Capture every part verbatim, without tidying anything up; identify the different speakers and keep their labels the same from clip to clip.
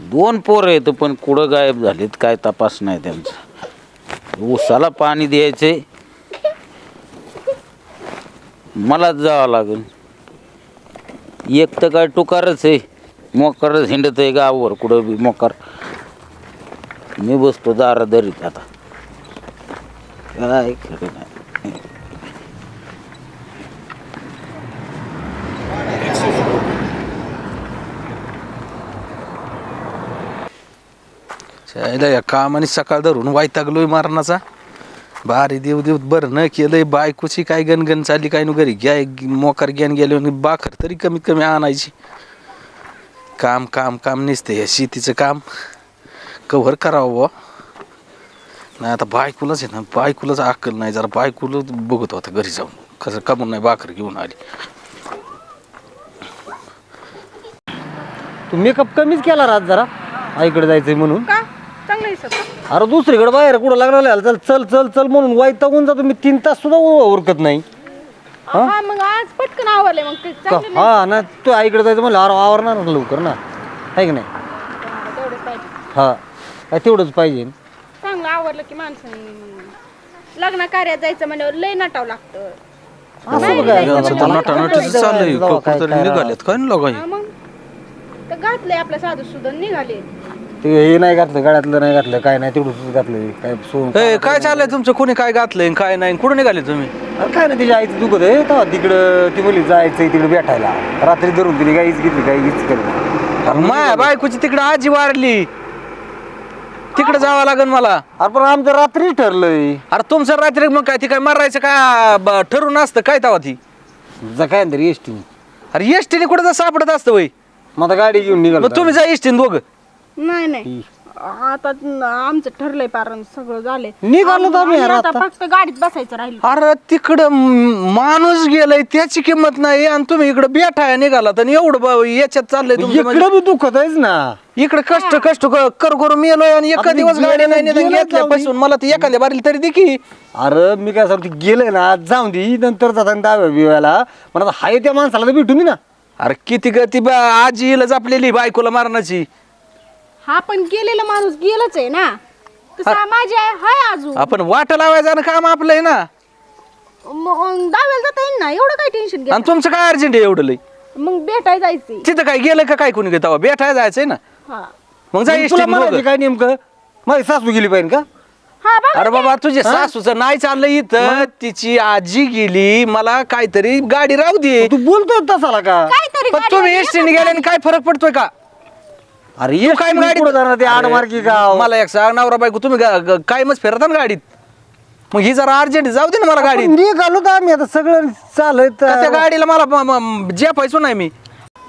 Speaker 1: दोन पोरं आहेत पण कुठं गायब झालीत काय तपास नाही त्यांचा. ऊसाला पाणी द्यायचंय, मलाच जावं लागेल. एक तर काय टुकारच आहे, मोकारच हिंडत आहे गावावर कुठं बी मोकार. मी बसतो दारादरीत आता, काय खरं नाही.
Speaker 2: या कामाने सकाळ धरून वैतागलोय मारणाचा. बारी देव देव बरं न केलंय. बायकोची काय गणगण चालली काय न घरी घ्या मोकार ग्यान गेले बाखर तरी कमीत कमी आणायची. काम काम काम नसतं या शेतीचं काम कव्हर करावं बुवा. नाही आता बायकोलाच आहे ना, बायकोलाच अक्कल नाही. जरा बायकोला बघत होता घरी जाऊन कसं कमून नाही बाखर घेऊन आली.
Speaker 3: तू मेकअप कमीच केला रात जरा आईकडे जायचंय म्हणून.
Speaker 4: का चांगलं दिसत का?
Speaker 3: अरे दुसरीकडे बाहेर कुठं लागला चल चल चल चल म्हणून वैतागून जातो मी. तीन तास सुद्धा उरकत नाही.
Speaker 4: हा मग आज पटकन आवरले मग ते
Speaker 3: का
Speaker 4: चांगलं
Speaker 3: हा ना तू आईकडे जायचं म्हणलं अरे आवरणार ना लवकर ना, आहे की नाही.
Speaker 4: नाही. तेवढंच पाहिजे.
Speaker 3: हा काय तेवढंच पाहिजे.
Speaker 4: चांगलं आवरलं की माणसाने लग्न कार्यात जायचं म्हणजे लय नटावं लागतं.
Speaker 3: असं बघा
Speaker 2: यांचं तर नटानटीचं चाललंय. कुठं तरी निघालेत काय ना लोक.
Speaker 4: हा मग तर घातलंय आपल्या साधू सुद्धा निघाले.
Speaker 3: ते हे नाही घातलं गळ्यातलं नाही घातलं काय नाही तेवढं घातलं काय सोन.
Speaker 2: ए, काय चाललंय तुमचं? कोणी काय घातलंय काय नाही? कुठं निघाले तुम्ही?
Speaker 3: अरे काय नाही तिच्या आईचं दुखत आहे तेव्हा तिकडं ती मुली जायचं तिकडे भेटायला. रात्री धरून तिने गाईच घेतली काही हीच केलं.
Speaker 2: माया बायकोची तिकडे आजी वारली, तिकडे जावं लागेल मला.
Speaker 3: अरे पण आमचं रात्री ठरलंय.
Speaker 2: अरे तुमचं रात्री मग काय ती काय मारायचं काय ब- ठरवून असतं काय तवा ती?
Speaker 3: जा काय तरी एस टी.
Speaker 2: अरे एसटीने कुठं तर सापडत असतं वय.
Speaker 3: मग आता गाडी घेऊन निघालो.
Speaker 2: मग तुम्ही जा एसटीने दोघं.
Speaker 4: नाही नाही आता आमचं ठरलंय पारण सगळं झालंय.
Speaker 3: निघालो तर आम्ही
Speaker 4: आम्ही आता
Speaker 3: आता.
Speaker 4: फक्त गाडीत बसायचं राहिलं.
Speaker 2: अरे तिकडं म- माणूस गेलाय त्याची किंमत नाही आणि तुम्ही इकडे बेठाय निघाला तर एवढं ब- याच्यात चाललंय तुमचं म्हणजे.
Speaker 3: इकडं बी दुखत आहेच ना.
Speaker 2: इकडे कष्ट कष्ट क- कर करून मेलोय आणि एका
Speaker 3: आता मी
Speaker 2: दिवस गाडी नाही
Speaker 3: गेलं-
Speaker 2: निदान
Speaker 3: गेलं
Speaker 2: घेतल्यापासून मला ती एखाद्या बारील तरी दे की.
Speaker 3: अरे मी काय सांगतो गेले ना जाऊन दे नंतर जाता दहाव्या बिव्याला पण आता हाय त्या माणसाला तर भेटून दे ना.
Speaker 2: अरे किती ग ती बा- आजी हिला जपलेली बायकोला मारण्याची.
Speaker 4: हा पण गेलेला माणूस गेलाच आहे ना. तसा माझी आहे हाय अजून.
Speaker 2: आपण वाट लावायचं काम आपलं आहे ना.
Speaker 4: मग दाव्याला जाता येईल ना, एवढं काय टेन्शन घ्या.
Speaker 2: आणि तुमचं काय अर्जंट आहे एवढं लय?
Speaker 4: मग भेटाय जायचंय.
Speaker 2: तिथं काय गेलं का काय कोणी तेव्हा बेठाय जायचंय ना.
Speaker 4: हा
Speaker 2: मग जा
Speaker 3: मग तुला
Speaker 2: एसटीने
Speaker 3: म्हणायचं
Speaker 2: दोघं.
Speaker 3: काय नेमकं माझी सासू गेली पाहिजे का.
Speaker 4: हा बघा
Speaker 2: अरे बाबा तुझे सासूचं नाही चाललं इथं. तिची आजी गेली, मला काहीतरी गाडी राहू दे.
Speaker 3: तू बोलतोय तसाला का.
Speaker 4: काहीतरी
Speaker 2: पण तुम्ही एसटीने गेल्याने काय फरक पडतोय का?
Speaker 3: अरे
Speaker 2: तू काय गाडी
Speaker 3: पुढे जाणार ते आडमार्गी गाव.
Speaker 2: मला एक सांग नवरा बायको तुम्ही गा- ग- काय मग फिरता ना गाडीत. मग ही जरा अर्जंट जाऊ दे ना मला गाडीत.
Speaker 3: निघालो तर आम्ही आता सगळं चालत.
Speaker 2: का त्या गाडीला मला जे पाहिजे नाही मी.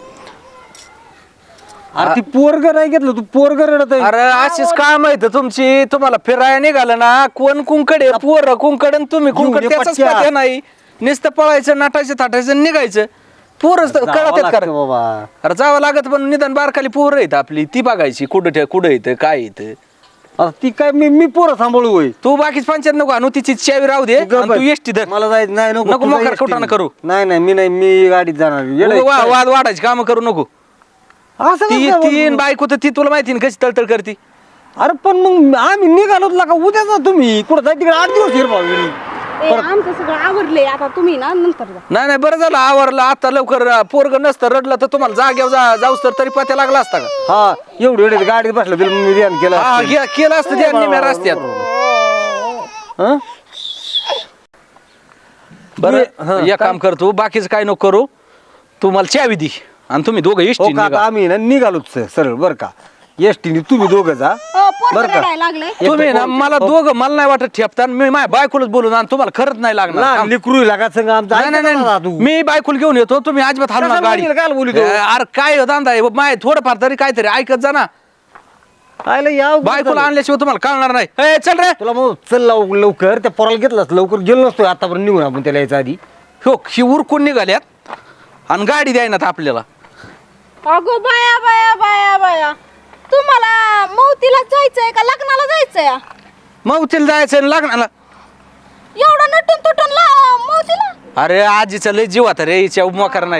Speaker 3: अरे ती पोरग नाही घेतलं तू पोरग रडत आहे.
Speaker 2: अरे अशीच काम आहे तर तुमची. तुम्हाला फिरायला निघालं ना कोण कुंकडे पोर कुंकड आणि तुम्ही कुंकड
Speaker 3: घेऊन ये
Speaker 2: त्याचाच
Speaker 3: पटक्या.
Speaker 2: पत्या नाही. नुसतं पळायचं नाटायचं थाटायचं आणि निघायचं. पोरच
Speaker 3: जावं
Speaker 2: कळत
Speaker 3: लागतं
Speaker 2: कर.
Speaker 3: बाबा.
Speaker 2: अरे जावं लागत पण निदान बारखाली पोरं आहेत आपली ती बघायची कुठं ठे कुठं येतं काय येतं.
Speaker 3: आता ती काय मी मी पोरं सांभाळू होय.
Speaker 2: तू बाकीच पंचायत नको आणू तिची चावी राहू दे
Speaker 3: तू
Speaker 2: आणि तू एसटी धर.
Speaker 3: मला जायचं नाही नको
Speaker 2: नको
Speaker 3: तू जा
Speaker 2: मोकार
Speaker 3: एस टी
Speaker 2: खोटानं
Speaker 3: ने.
Speaker 2: करू.
Speaker 3: नाही नाही मी नाही मी गाडीत जाणार. येडं आहे
Speaker 2: वा-
Speaker 3: काय?
Speaker 2: वाद वाढायची काम करू नको.
Speaker 3: असं
Speaker 2: ती
Speaker 3: कसं
Speaker 2: तीन
Speaker 3: बोलतो?
Speaker 2: बायको तर ती तुला माहिती ना कशी तळतळ करती.
Speaker 3: अरे पण मग आम्ही निघालो का उद्या जा तुम्ही कुठं जाय तिकडे आठ दिवस हिरवा
Speaker 4: ए, आमचं सगळं आवरलंय आता तुम्ही ना नंतर जा.
Speaker 2: नाही नाही बरं झालं आवरलं आता लवकर. पोरग नसतं रडलं तर तुम्हाला जाग्यावर जा जाऊस तर तरी पत्या लागला असता का.
Speaker 3: हा एवढी एवढी गाडीत बसलं तिला मी ध्यान केलं
Speaker 2: हा
Speaker 3: असतं.
Speaker 2: गे- केलं असतं त्या निम्या रस्त्यात.
Speaker 3: हं?
Speaker 2: बरं एक काम कर तू बाकीचं काय नको करू. तू मला चावी दी आणि तुम्ही दोघं
Speaker 3: हो
Speaker 2: एसटी
Speaker 3: का आता आम्ही ना निघालोच सरळ बरं का एसटीने तुम्ही दोघं जा.
Speaker 4: अ, पोट
Speaker 3: बरं का?
Speaker 4: रडायला लागलंय.
Speaker 2: तुम्ही ना मला दोघं मला नाही वाटत ठेपता मी माझ्या बायकोलाच बोलून आणि तुम्हाला खरंच नाही लागणार
Speaker 3: लहान
Speaker 2: थांब.
Speaker 3: लेकरू लागा संग आमचा
Speaker 2: नाही नाही
Speaker 3: ऐकायला
Speaker 2: नाही
Speaker 3: तू.
Speaker 2: मी बायकोला घेऊन येतो तुम्ही अजिबात हलू नका
Speaker 3: कशाला
Speaker 2: गाडी.
Speaker 3: बोलील, काल बोलितो?
Speaker 2: अरे काय धंदा आहे माय थोडंफार तरी काहीतरी ऐकत जा ना.
Speaker 3: आयला याव
Speaker 2: बायकोला आणल्याशिवाय तुम्हाला कळणार नाही. ए, चल रे.
Speaker 3: तुला मग चल लव- लवकर त्या पोराला घेतलास लवकर गेलो नसतो आतापर्यंत निघून आपण त्याला यायच्या आधी.
Speaker 2: हो ही उरकून निघाल्यात आणि गाडी द्यायनात आपल्याला.
Speaker 4: अगो बाया बाया बाया बाया तुम्हाला मौतीला जायचंय का लग्नाला जायचंय?
Speaker 2: मग तिला जायचं आणि लग्नाला.
Speaker 4: एवढं नटून तुटून ला मौतीला.
Speaker 2: अरे आजीचा लय जीव आता रे हिच्या मोकार नाही.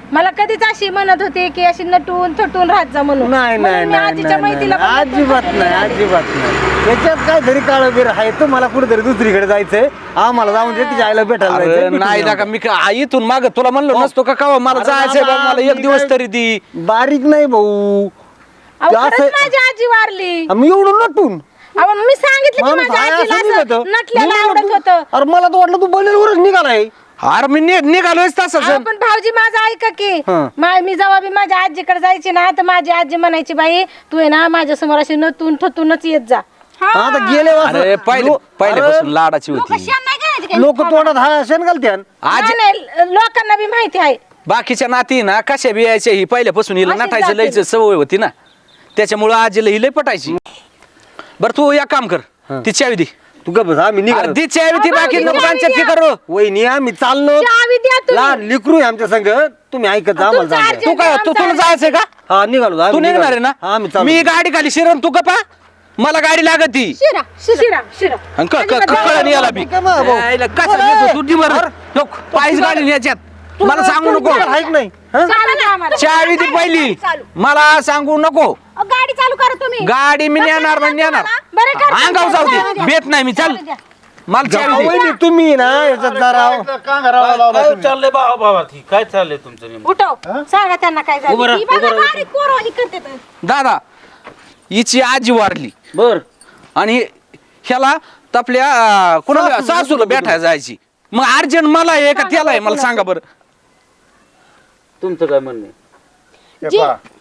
Speaker 4: मला कधीच अशी म्हणत होते की अशी नटून थटून राहत जा म्हणून
Speaker 3: नाही नाही
Speaker 4: म्हणून मी
Speaker 3: नाही
Speaker 4: आजीच्या
Speaker 3: नाही,
Speaker 4: मैत्रीला
Speaker 3: नाही.
Speaker 4: पण नटून
Speaker 3: अजिबात
Speaker 4: थटून
Speaker 3: नाही
Speaker 4: राहते.
Speaker 3: अजिबात नाही त्याच्यात काय तरी काळ बिर आहे तुम्हाला कुठेतरी दुसरीकडे जायचंय आम्हाला जाऊन दे तिच्या आईला भेटायला
Speaker 2: अरे
Speaker 3: जायचंय.
Speaker 2: नाही ना का मी का- आ, इथून माग तुला म्हणलो नसतो का का मला
Speaker 3: अरे
Speaker 2: जायचंय
Speaker 3: बाबा,
Speaker 2: बाबा, मला
Speaker 3: मी
Speaker 2: एक दिवस
Speaker 3: काय-
Speaker 2: तरी दी.
Speaker 3: बारीक नाही भाऊ
Speaker 4: अहो,
Speaker 3: ते असं-
Speaker 4: खरंच माझी आजी वारली
Speaker 3: आम्ही एवढं नटून
Speaker 4: अहो मी सांगितलं की
Speaker 3: माणूस
Speaker 4: माझ्या
Speaker 3: आहे
Speaker 4: आजीला
Speaker 3: असं निघतं.
Speaker 4: असं नटलेलं
Speaker 3: निघालं
Speaker 4: आवडत
Speaker 3: तू.
Speaker 4: होतं
Speaker 3: अरे मला तर वाटलं तू बनेलवरच निघालाय
Speaker 2: अरे मी नि- निघालोय तसंच
Speaker 4: अहो, पण भाऊजी माझं ऐका की
Speaker 3: हं.
Speaker 4: मा- मी जेव्हा बी माझ्या आजीकडे जायची ना तर माझी आजी म्हणायची बाई तू आहे ना माझ्या समोर अशी नटून ठतूनच येत जा
Speaker 3: आता गेले
Speaker 2: अरे पहिले पहिल्यापासून लाडाची होती
Speaker 3: लोक तोंडात हा शेण घालत्यान
Speaker 2: आज
Speaker 4: नाही, नाही, लोकांना बी माहिती आहे
Speaker 2: बाकीच्या नाती ना कशा बियायच्या ही पहिल्यापासून हिला
Speaker 4: अशीच
Speaker 2: नटायचं
Speaker 4: जाते.
Speaker 2: लयच सवय होती ना त्याच्यामुळं आजीला ही लय पटायची बरं तू एक काम कर ती चावी दे
Speaker 3: तू गप बस, आम्ही निघालो
Speaker 2: ती चावी ती
Speaker 4: अहो,
Speaker 2: बाकी
Speaker 4: ती
Speaker 2: नको
Speaker 4: चावी
Speaker 2: पंचायत
Speaker 4: द्या.
Speaker 2: करू
Speaker 3: वहिनी आम्ही चाललो
Speaker 4: चावी द्या तुम्ही.
Speaker 3: लहान लिकरू आहे आमच्या संग तुम्ही ऐकत जा आम्हाला
Speaker 4: तुमचं
Speaker 3: जाऊ द्या.
Speaker 4: अर्जंट
Speaker 2: तू काय तू तुला जायचंय का
Speaker 3: हा निघालो आम्ही
Speaker 2: तू निघणार आहे
Speaker 3: निघालो. हा, आम्ही
Speaker 2: ना
Speaker 3: चाललो.
Speaker 2: मी गाडी खाली शिरण तू कपा मला गाडी लागत ती
Speaker 4: शिरा शिरा शिरा
Speaker 2: आणि क- क- कळलं याला बी
Speaker 3: काय मग भाऊ?
Speaker 2: यायला कसं नेतो तू दिवर पायीच गाडी याच्यात मला सांगू नको
Speaker 3: तुला ऐक नाही हा?
Speaker 4: चालू द्या आम्हाला.
Speaker 2: चावी ती पहिली
Speaker 4: चालू.
Speaker 2: मला सांगू नको
Speaker 4: अहो, गाडी चालू करा तुम्ही
Speaker 2: गाडी मी नेणार म्हणजे नेणार
Speaker 4: बरं करते.
Speaker 2: अंगाव जाऊ
Speaker 4: चालू
Speaker 2: दे
Speaker 4: द्या.
Speaker 2: बेत नाही मी चल
Speaker 4: चालू द्या.
Speaker 2: मला चावी
Speaker 3: अहो,
Speaker 2: दे.
Speaker 3: वहिनी तुम्ही ना याच्यात जरा
Speaker 1: काय चाललंय बाबा बाबा ती काय चाललंय तुमचं नेमकं?
Speaker 4: उठव सांगा त्यांना काय झालं
Speaker 1: उभं राहा,
Speaker 4: ही बघा,
Speaker 1: उभं राहा.
Speaker 4: गाडी कोरवानी करते तर.
Speaker 2: दादा हिची आजी वारली
Speaker 1: बर
Speaker 2: आणि ह्याला तपल्या अं, कोणाला सासूला भेटायला जायची मग अर्जंट मला आहे का त्याला आहे मला सांगा बरं
Speaker 1: तुमचं काय म्हणणं आहे?
Speaker 4: जी.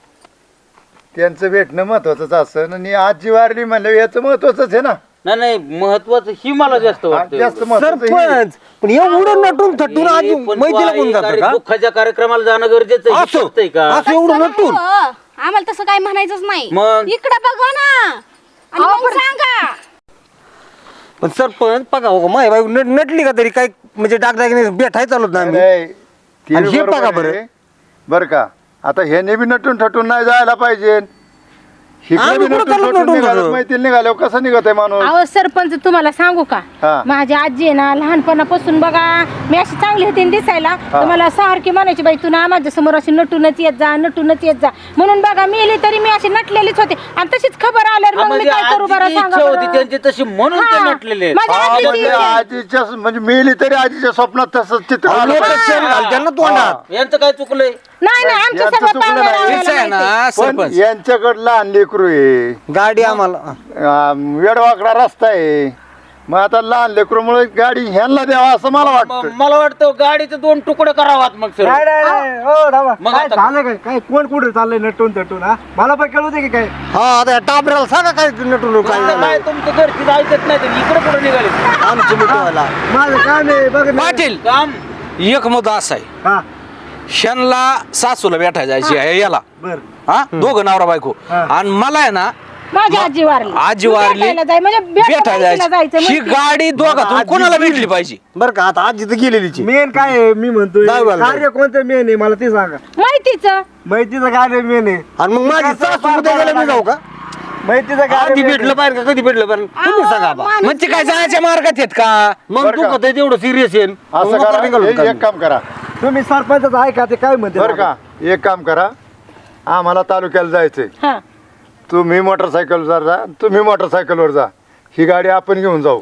Speaker 5: त्यांचं भेटणं महत्वाचंच असं आणि आजी वारली म्हणलं याचं महत्वाचंच आहे ना
Speaker 1: नाही नाही महत्वाचं ही मला जास्त वाटतं
Speaker 5: जास्त महत्वाचं हे.
Speaker 3: सरपंच पण एवढं नटून थटून आज मैत्रीला कोण जातं का
Speaker 1: दुःखाच्या कार्यक्रमाला जाणं गरजेचं आहे. हे
Speaker 3: असं
Speaker 1: पटतंय का
Speaker 3: असं एवढं नटून
Speaker 6: हो, आम्हाला तसं काय म्हणायचंच नाही
Speaker 1: मग
Speaker 6: इकडे बघा ना आणि मग सांगा
Speaker 3: पण सरपंच बघा हो माय बाई नट नटली का तरी काय म्हणजे डागडाग भेटाय चालत ना आम्ही
Speaker 5: नाही, ते
Speaker 3: आणि हे
Speaker 5: बरोबर
Speaker 3: बघा बरं.
Speaker 5: आहे. बरं का आता ह्याने बी नटून ठटून नाही जायला पाहिजे हिकडे
Speaker 3: आम्ही
Speaker 5: बी
Speaker 3: कुठं
Speaker 5: नटून
Speaker 3: चाललो
Speaker 5: ठटून
Speaker 3: नटून
Speaker 5: निघालो
Speaker 3: जातो?
Speaker 5: माहिती निघाल्यावर कसं निघत आहे माणूस
Speaker 4: अहो सरपंच तुम्हाला सांगू का
Speaker 5: हा.
Speaker 4: माझी आजी आहे ना लहानपणापासून बघा मी अशी चांगली होती ना दिसायला तर मला सारखी म्हणायची बाई तू ना माझ्या समोर अशी नटूनच येत जा नटूनच येत जा म्हणून बघा मेली तरी मी अशी नटलेलीच होते आणि तशीच खबर आल्यावर
Speaker 1: हा,
Speaker 4: मग मी
Speaker 1: म्हणजे
Speaker 4: काय करू बरं
Speaker 1: आजीची
Speaker 4: सांगा
Speaker 1: इच्छा होती
Speaker 4: बरं.
Speaker 1: त्यांची तशी म्हणून ते
Speaker 4: हा.
Speaker 1: नटलेले आहेत.
Speaker 4: माझ्या
Speaker 5: हा,
Speaker 4: आजीची
Speaker 5: म्हणजे
Speaker 4: इच्छा.
Speaker 5: आजीच्या म्हणजे मेली तरी आजीच्या स्वप्नात तसंच चित्र आलं
Speaker 3: लोक
Speaker 5: पाहिजे.
Speaker 3: शेण घालत्यान ना तोंडात
Speaker 1: यांचं काय चुकलंय
Speaker 4: नाही नाही आमचं
Speaker 5: यांचं
Speaker 4: सगळं
Speaker 5: चुकलं
Speaker 4: पाहुण्या
Speaker 5: नाही.
Speaker 4: रावळ्याला
Speaker 2: हिचं आहे
Speaker 4: माहिती.
Speaker 2: ना
Speaker 5: पण
Speaker 2: सरपंच
Speaker 5: यांच्याकडं लहान लेकरू आहे
Speaker 3: गाडी आम्हाला
Speaker 5: अं, वेडवाकडा रस्ता आहे मग आता लहान लेकरूमुळे गाडी ह्यांना द्यावा असं मला
Speaker 1: म-
Speaker 5: वाटतं
Speaker 1: मला वाटतं गाडीचे दोन तुकडे करावात मग सर मग
Speaker 7: काय
Speaker 1: आता-
Speaker 7: झालं काय काय कोण कुठे चाललंय नटून तटून हा मला पण कळू दे की काय
Speaker 3: हा आता या टाबऱ्याला सांगा काय नटून काय
Speaker 1: आता काय तुमचं घरची ऐकत नाही तर इकडे कुठे निघाले
Speaker 3: आमची मिटवायला
Speaker 7: माझं काम आहे बघ ना.
Speaker 2: पाटील
Speaker 1: काम
Speaker 2: एक मुद्दा असा आहे
Speaker 7: हा
Speaker 2: ह्यांना सासूला भेटायला जायची आहे याला
Speaker 7: बर
Speaker 2: हा दोघं नवरा बायको
Speaker 7: हा.
Speaker 2: आणि मला आहे ना
Speaker 4: माझी आजी वारली
Speaker 2: आजी
Speaker 4: मी
Speaker 2: वारली
Speaker 4: भेटायला जाय म्हणजे
Speaker 2: भेटायला
Speaker 4: भेटायला
Speaker 2: जायची
Speaker 4: जायचं
Speaker 2: ही
Speaker 4: म्हणजे.
Speaker 2: गाडी दोघातून
Speaker 5: आजी
Speaker 2: कोणाला भेटली पाहिजे
Speaker 3: बरं का आता आजी तर गेलेलीची
Speaker 7: मेन काय आहे मी म्हणतोय
Speaker 3: दहावीला जाईल.
Speaker 7: कार्य कोणतं मेन आहे मला ते सांगा
Speaker 4: माहितीचं
Speaker 7: माहितीचं कार्य मेन आहे
Speaker 3: आणि मग माझी सासू उद्या गेल्या मी जाऊ का
Speaker 7: माहितीचं
Speaker 3: आधी
Speaker 7: कार्य main
Speaker 3: भेटलं पाहिजे का कधी भेटलं पाहिजे तुम्ही सांगा बा.
Speaker 2: मग ते काय जायच्या मार्गात आहेत का
Speaker 3: मग
Speaker 5: बरं का?
Speaker 3: दुखत आहे तेवढं सिरियस आहे
Speaker 5: असं
Speaker 3: मग
Speaker 5: करा
Speaker 3: निघालो
Speaker 5: एक
Speaker 3: का
Speaker 5: एक काम करा
Speaker 7: आहे. तुम्ही सरपंच ऐका ते काय म्हणते
Speaker 5: बरं का एक काम करा आम्हाला तालुक्याला जायचंय
Speaker 4: हा
Speaker 5: तुम्ही मोटरसायकलवर जा तुम्ही मोटरसायकलवर जा ही गाडी आपण घेऊन जाऊ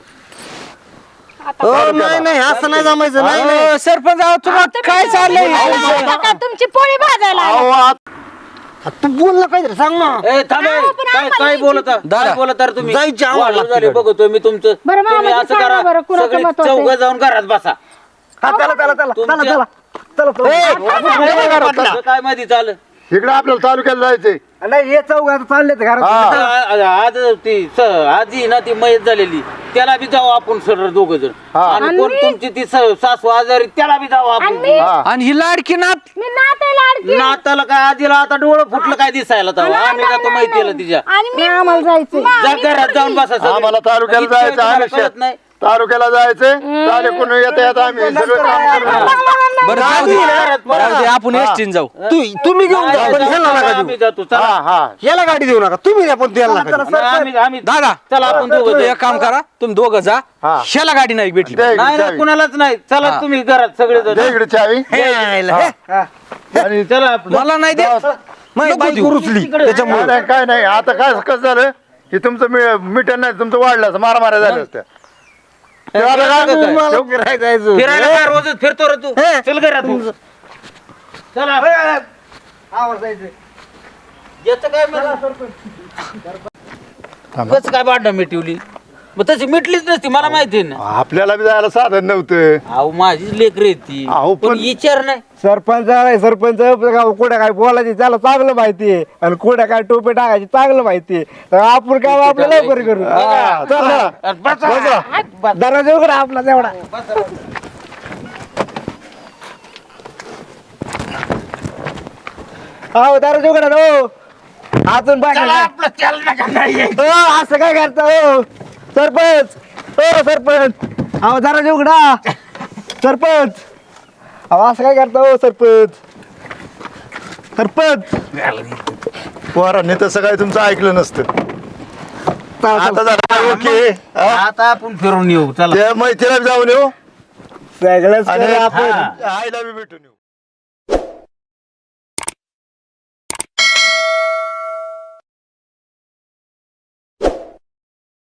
Speaker 3: हो नाही नाही असं नाही जमायचं नाही नाही
Speaker 2: अहो, सरपंच अहो, तुम्हाला काय चाललंय
Speaker 4: आता काय तुमची पोळी भाजायला आली.
Speaker 5: अहो, आत-
Speaker 3: आ, तू बोल ना काहीतरी सांग ना
Speaker 1: ए थांबे काय काय बोलत आहे?
Speaker 2: दादा,
Speaker 1: काय बोलत आहे तुम्ही
Speaker 3: जायची आम्हाला
Speaker 1: वाढ झाली बघतोय मी तुमचं
Speaker 4: बरं, मला
Speaker 1: तुम्ही
Speaker 4: ते
Speaker 1: असं
Speaker 4: सांगा
Speaker 1: करा
Speaker 4: बरं, कुणाचं
Speaker 1: सगळी
Speaker 4: मत होतंय?
Speaker 1: चौघ जाऊन घरात बसा
Speaker 7: हा चला चला चला चला
Speaker 1: तुमच्या-
Speaker 7: चला चला चला
Speaker 1: असं काय माहिती चाल
Speaker 5: इकडे आपल्याला तालुक्याला जायचंय
Speaker 7: नाही हे चौघ आता चालले घरात
Speaker 5: हा.
Speaker 1: आज ती स- आजी ना ती मयत झालेली त्याला बी जाऊ आपण सरळ दोघ जण
Speaker 5: हा.
Speaker 1: आणि कोण तुमची ती स- सासू आजारी त्याला बी जाऊ
Speaker 4: आणि
Speaker 1: आपण
Speaker 4: मी
Speaker 5: हा
Speaker 2: आणि ही लाडकी नात
Speaker 4: मी नाते लाडकी
Speaker 1: नाताला काय आजीला आता डोळं फुटलं काय दिसायला तेव्हा आम्ही जातो माहितीला तिच्या
Speaker 6: आणि
Speaker 4: मी
Speaker 6: मी
Speaker 4: आम्हाला जायचंय
Speaker 1: जा घरात जाऊन बसा सगळे.
Speaker 5: आम्हाला तालुक्याला
Speaker 1: इतकं
Speaker 5: जायचं
Speaker 1: तुम्हाला
Speaker 5: आयुष्यात
Speaker 1: कळत नाही
Speaker 5: तालुक्याला जायचंय तालुक्यातून येता येता आम्ही सगळं काम करणार.
Speaker 2: बरं जाऊ दे. जाऊ दे, आपण एसटीन जाऊ
Speaker 3: तू- तुम्ही घेऊन जा पण ह्याला नका देऊ.
Speaker 1: आम्ही जातो चला.
Speaker 5: हा हा
Speaker 3: याला गाडी देऊ नका तुम्ही द्या, पण त्याला नका देऊ.
Speaker 1: आम्ही आम्ही
Speaker 2: दादा
Speaker 1: चला आपण दोघं
Speaker 2: तुम्ही
Speaker 1: जाऊ.
Speaker 2: एक काम करा तुम्ही दोघं जा
Speaker 5: हा.
Speaker 2: ह्याला गाडी नाही भेटली
Speaker 5: दे इकडे
Speaker 1: नाही ना
Speaker 5: चावी.
Speaker 1: कुणालाच नाही चला
Speaker 2: हा.
Speaker 1: तुम्ही घरात सगळे जण.
Speaker 5: दे इकडे चावी
Speaker 3: आणि
Speaker 1: चला आपलं.
Speaker 2: मला नाही दे
Speaker 3: माझी
Speaker 2: नको
Speaker 3: बाईक
Speaker 2: देऊ.
Speaker 3: रुचली
Speaker 5: काय
Speaker 3: त्याच्यामुळे
Speaker 5: नाही काय नाही आता काय कसं झालं की तुमचं मी- मिटन नाही तुमचं वाढलं असं मारामाऱ्या झाल्या असत्या ते आता काय
Speaker 1: काय?
Speaker 5: ठेव-
Speaker 3: फिरायला जायचं.
Speaker 1: फिरायला काय रोजच फिरतो रे तू चल घरात तू. चला याचं काय कसं काय भांडण मिटवली मग तशी मिटलीच नसती मला माहिती आहे ना.
Speaker 5: आपल्याला बी जायला साधन नव्हतं
Speaker 1: अहो माझी लेकरं आहेत ती
Speaker 5: अहो,
Speaker 1: पण
Speaker 5: पण-
Speaker 1: विचार नाही
Speaker 7: सरपंच आहे सरपंच कुठे काय बोलायची त्याला चांगलं माहितीये आणि कुठे काय टोपे टाकायची चांगलं माहितीये तर आपण काय आपलं लवकर करू
Speaker 5: हा, चला.
Speaker 1: अरे बसा.
Speaker 7: दरवाजा उघडा आपला तेवढा हो दरवाजा उघडा ना हो अजून बाकी
Speaker 1: चला, आपलं चाल नका नाही आहे.
Speaker 7: हो असं काय करता हो सरपंच हो सरपंच अहो दरवाजा उघडा सरपंच अहो असं काय करता हो सरपंच सरपंच
Speaker 5: पोरांनी तसं काय तुमचं ऐकलं नसतं आता झालं ओके हा?
Speaker 1: आता आपण फिरून येऊ चला
Speaker 5: त्या मैत्रीला बी जाऊन येऊ
Speaker 7: सगळंच
Speaker 5: आणि
Speaker 7: करू आपण
Speaker 5: आईला बी भेटून येऊ